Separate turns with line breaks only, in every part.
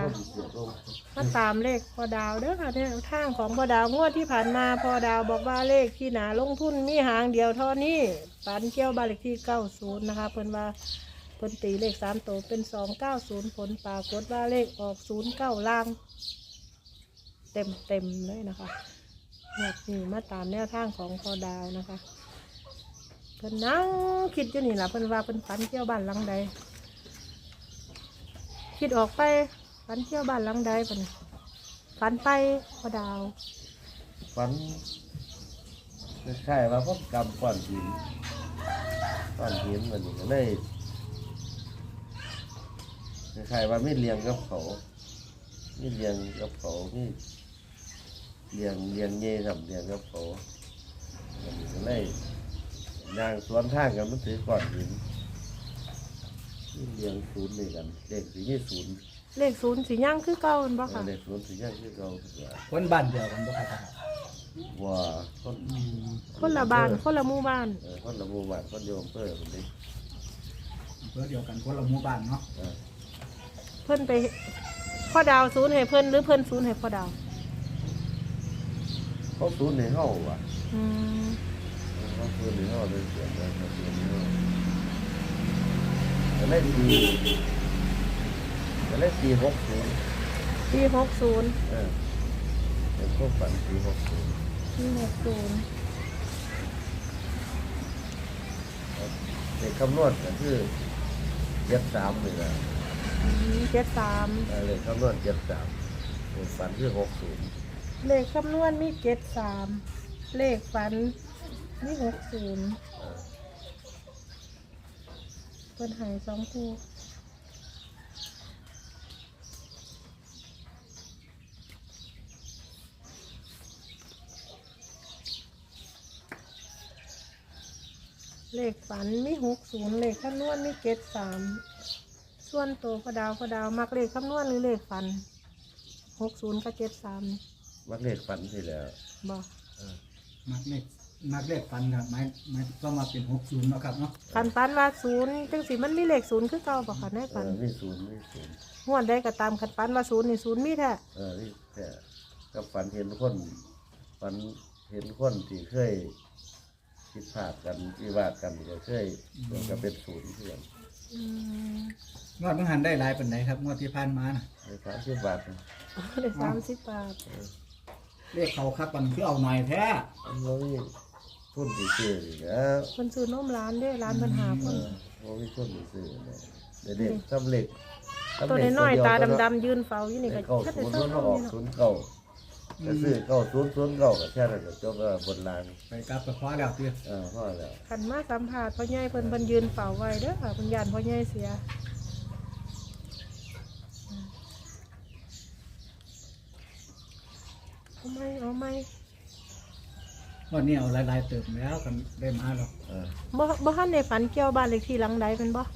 มาตามเลขพอดาวเด้อค่ะเนี่ยทางของพอดาวงวดที่ผ่านมาพอดาวบอกว่าเลขที่หนาลงทุนมีหางเดียวเท่านี้ปันเกี่ยวบ้านเลขที่90นะคะเพิ่นว่าเพิ่นตีเลข3ตัวเป็น290ผลปรากฏว่าเลขออก09ล่างเต็มเลยนะคะนี่มาตามแนวทางของพอดาวนะคะเพิ่นนั่งคิดอยู่นี่แหละเพิ่นว่าเพิ่นฝันเกี่ยวบ้านหลังใดคิดออกไปฝันเที่ยวบ้านหลังใดปะเนี่ยฝันไปพอดาว
ฝันใช่ว่าพบกรรมก้อนหินมันนี่ก็เลยใช่ว่าไม่เลี้ยงกับเขาไม่เลี้ยงกับเขาไม่เลี้ยงเย่กับเลี้ยงกับเขามันนี่ก็เลยย่างสวนทางกันมันถือก้อนหินเลี้ยงศูนย์นี่กันเด็กสีนี่ศูนย์
เลข0สีย่างคือเก่าบ่ค่ะ
เด็กศูนย์สีย่างคือเก่า
คนบ้านเดียวกันบ่ครับ
ว่า
คนละบ้านคนละหมู่บ้าน
คนละหมู่บ้านคนโยมเพื่อคนนี้
เพื่อเดียวกันคนละหมู่บ้านเนาะ
เพิ่นไปพ่อดาว0ให้เพิ่นหรือเพิ่น0ให้พ่อดาว
เขาศูนย์ในห้องว่ะเขาศูนย์ในห้องเลยเสียงเลยเขาศูนย์ในห้องจะได้ตี60เป็นพวกฝันตี60เด็กคำนวณก็คือ73เลยนะ
73
เลขคำนวณ73ฝันคือ60
เลขคำนวณมี73เลขฝันมี60เพิ่นให้2คู่เลขฝันมี60เลขคำนวณมี73ส่วนตัวพอดาวมักเลขคำนวณหรือเลขฝัน60กับ73
มักเลขฝันสิแล้ว
บ่
มักเลขฟันครับไม่ก็มาเป็น60เนาะครับเนาะ
ฝันว่า0จังสิมันมีเลข0คือเก่าบ่ค่ะในฝัน
มี0
งวดได้ก็ตามคันฝันว่า0นี่0มีแท้
นี่แต่ก็ฝันเห็นคนที่เคยคิดพลาดกันวิวาทกันก็เคยก็เป็น0เพื่อน
งวดมันหันได้หลายปานใดครับงวดที่ผ่านมาน่ะ
ได้30 บาท
ได้30 บาท
เลขเขาครับมันคือเอาหน่อยแท้
เรามีทุนซื้ออีกแล้ว
มันซื้อนมร้านเด้ร้านปัญหาคน
เรามีทุนซื้อเด็กทำเหล็ก
ตัวน้อยตาดำๆยืนเฝ้าอยู่นี่ก็
แค่แต่0ออก0 9ก็ซื้อ9 0 9ก็แค่นั้นก็จบบนราง
ไปกลับก็พอแล้วติ
พอแล้ว
คันมาสัมภาษณ์พ่อใหญ่เพิ่นยืนเฝ้าไว้เด้อค่ะเพิ่นย่านพ่อใหญ่เสียเอาไหม
วันนี้เอาหลายๆเติมแล้วกันได้มาหรอก
บ่ทันได้ฝันเกี่ยวบ้านเลขที่หลังใดเป็นบ่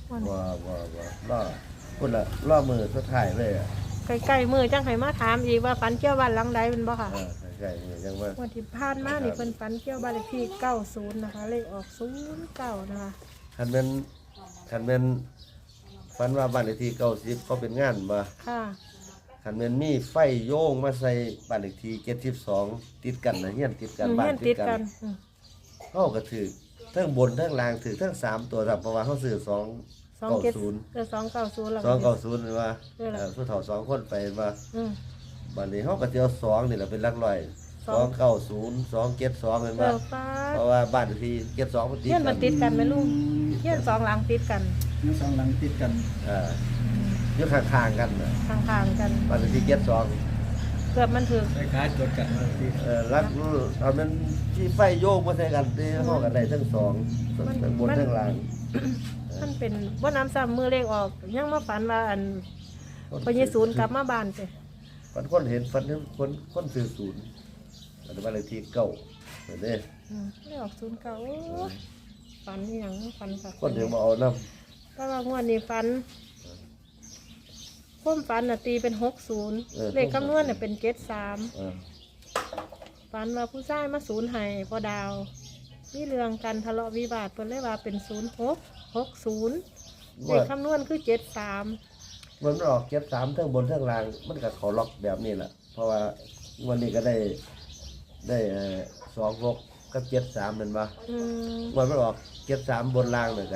พุ่นละล่อมือสุดท้ายเลย
ใกล้ๆมือจังให้มาถามอีกว่าฝันเกี่ยวบ้านหลังใดเป็นบ่ค่ะ
ใกล้ๆมือจังว่า
วันที่ผ่านมานี่เพิ่นฝันเกี่ยวบ้านเลขที่90นะคะเลขออก09นะคะ
คันแม่นฝันว่าบ้านเลขที่90ก็เป็นงานบ่
ค่ะ
คันแม่นมีไฟโยงมาใส่บ้านเลขที่72ติดกันนะเฮียนติดกันบ้านติดกันเฮาก็ถือทั้งบนทั้งล่างถือทั้ง3ตัวครับเพราะว่าเฮาซื้อ290
แล้ว
290ว่าผู้เฒ่า2คนไปว่าบัดนี้เฮาก็สิเอา2นี่แหละเป็นหลักร้อย290 272เห็นบ่เพราะว่าบ้านเลขที่72มันติด
กันติดกันแม่ลุงเฮียน2หลังติดกัน
2หลังติดกัน
อยู่ข้างๆกัน
ข้างๆกัน
บ้านเลขที่72
เกือบมันถึง
คล้ายๆจดกัน
รักเอามันที่ไฟโยกมาใส่กันที่ห้องกันได้ทั้ง2ทั้งบนทั้งล่าง
มันเป็นบ่น้ำซ้ำมือเลขออกยังมาฝันว่าอันพอ20กลับมาบ้านไป
ฝันคนเห็นฝันคนซื้อ0อันบ้านเลขที่9เห็นเด้
ไม่ออก09ฝันหยังฝันค่ะ
คนเดี๋ยวมาเอานำ
ก็ว่างวดนี้ฝันความฝันน่ะตีเป็น60เลขคำนวณน่ะเป็น73ฝันว่าผู้ชายมา0ให้พอดาวมีเรื่องกันทะเลาะวิวาทเพิ่นเลยว่าเป็น0660เลขคำนวณคือ73
มันออก73ทั้งบนทั้งล่างมันก็เขาล็อกแบบนี้แหละเพราะว่าวันนี้ก็ได้26กับ73แม่นบ่
อืม
มันออก73บนล่างเลย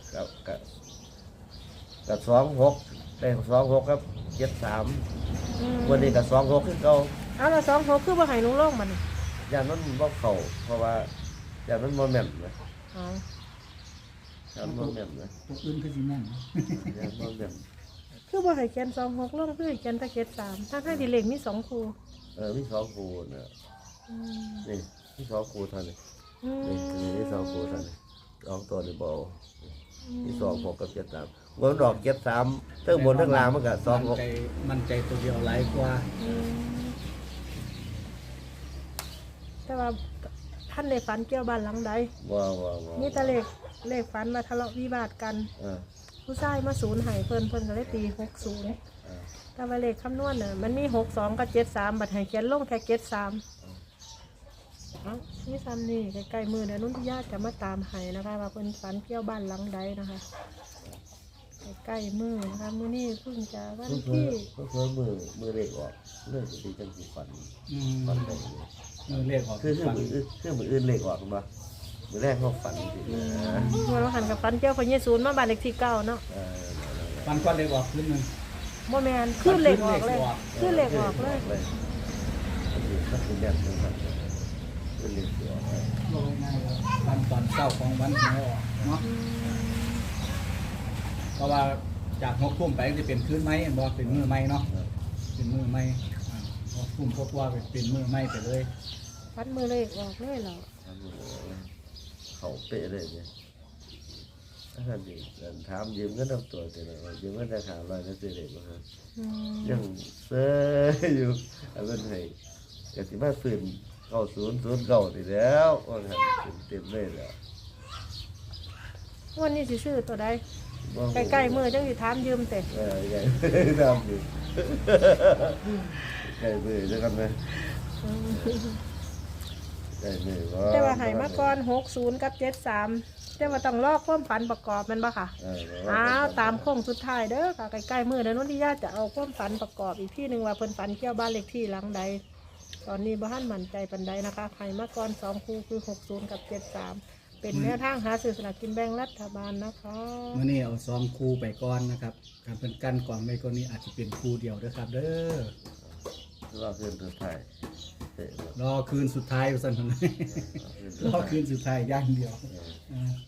กับ26ได้26กับ73วันนี้ก็26คือเก่า
เอาละ26คือบ่ให้หนูลงมัน
ย่านมันบ่เข้าเพราะว่าย่านมันบ่แม่นนะ
อ๋อ
ย่านบ่แม่นนะ
ตัวอื่นคือสิแม่นนะ
ย่านบ่แม่น
คือบ่ให้เขียน26ลงคือให้เขียนแต่73ทั้งที่เลขมี2คู่
มี2คู่นะ
อืม
นี่มี2คู่เท่านี้
อืม
นี่มี2คู่เท่านี้2ตัวนี่บ่เอามี26กับ73มันออก73ทั้งบนทั้งล่างมันก็
มันใจตัวเดียวหลายกว่า
อืมแต่ว่าท่านได้ฝันเกี่ยวบ้านหลังใด
ว้าว
มีแต่เลขฝันมาทะเลาะวิวาทกัน
ๆ
ผู้ชายมาศูนย์ให้เพิ่นก็เลยตี60แต่ว่าเลขคำนวณน่ะมันมี62กับ73บัดให้เขียนลงแค่73เอ้านี่ซ้ำนี่ใกล้ๆมือเดี๋ยวนุ่นที่ญาติจะมาตามให้นะคะว่าเพิ่นฝันเกี่ยวบ้านหลังใดนะคะใกล้ๆมือนะคะมื้อนี้เพิ่งจะวันที่
เพิ่นมือเล็กออกเลิกสิจังสิฝัน
อืม
ฝันได้
มือเลขออก
คือ
ฟัน
มืออื่นเล็กออกบ่มือแรกเขาฝันสินะ
เมื่อเราหันกับฝันเกี่ยวพระเยซูมาบ้านเลขที่9เนาะ
ฟันก้อนเลขออกขึ้นหนึง
บ่แม่นขึ้นเลขออกเลยขึ้นเลขออกเลย
มันคือแบบนั้นครับเป็นเล็กออกเลย
โลง่ายๆวันตอนเช้าของวันหวยออกเนาะเพราะว่าจาก6 ทุ่มไปจะเป็นคืนไหมบ่เป็นมือไหมเนาะเป็นมือไหม6 ทุ่มกว่าเป็นมือไหมไปเลย
ฝันมือเลขออกเลยเหรอ
เขาเป๊ะเลยเนี่ยถ้าดีถามยืมเงินน้ำตัวแต่ละยืมเงินราคา100นั่นสิเด็กบ่ครับ
อืม
ยังเซ่อยู่อันนั้นให้กสิมาฟื้น9009นี่แล้วว่างั้นเต็มเลยแล้ว
วันนี้สิซื้อตัวใดใกล้ๆมือจังสิถามยืมแต่
ใหญ่ดำอยู่ใกล้มือจะกันไหมใกล้มือ
แต่ว่าให้มาก่อน60กับ73แต่ว่าต้องลอกความฝันประกอบแมันบ่ค่ะอ้าวตามโค้งสุดท้ายเด้อค่ะใกล้ๆมือเดี๋ยวนุ่นที่ญาติจะเอาความฝันประกอบอีกที่หนึงว่าเพิ่นฝันเกี่ยวบ้านเลขที่หลังใดตอนนี้บ่ทันมั่นใจปานใดนะคะให้มาก่อน2คู่คือ60กับ73เป็นแนวทางหาซื้อสลากกินแบ่งรัฐบาลนะคะ
มื่อนี้เอา2 คู่ไปก่อนนะครับการเป็นกันก่อนไม่ก็นี้อาจจะเป็นคู่เดียวนะครับเด้อ
เราเพื่อนสุดท้ายเตะ
รอคืนสุดท้ายสั่นนะรอคืนสุดท้ายอย่างเดียวอ่า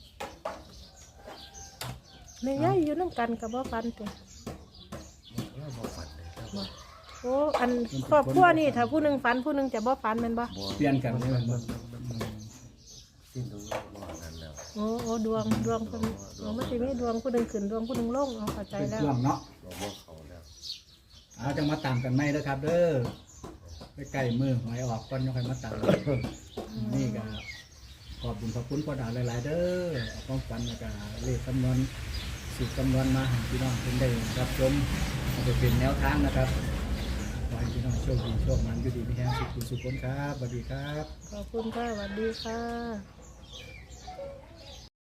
แม่ย่ายอยู่น้ำกันกับบ่ฟันเตะ
เราบ่ฝันเลยครับ
โอ้อันครอบครัวนี่ถ้าผู้หนึงฟันผู้หนึงจะบ่ฟันแม่นบ่
เปลี่ยนกันเลยมัน
สิ้นตรงบ่นั้นแล้ว
โอ้ดวงเพิ่นมันสิมีดวงผู้หนึงขึ้นดวงผู้หนึงลงเอาเข้าใจ
เป็น
แล้ว
ช่วงเนาะ
เราบ่เขาแล้ว
เอาจะมาตามกันไหมนะครับ เด้อไปใกล้มือหวยออกก่อนยังค่อยมาตามนี่ก็ขอบคุณขอบคุณพ่อดาวหลายๆเด้อเอาความฝันแล้วก็เลขคำนวณสูตรคำนวณมาให้พี่น้องเพิ่นได้รับชมเอาไปเป็นแนวทางนะครับขอให้พี่น้องโชคดีโชคมันอยู่ดีมีแรงสุขสุขผลครับสวัสดีครับ
ขอบคุณค่ะสวัสดีค่ะ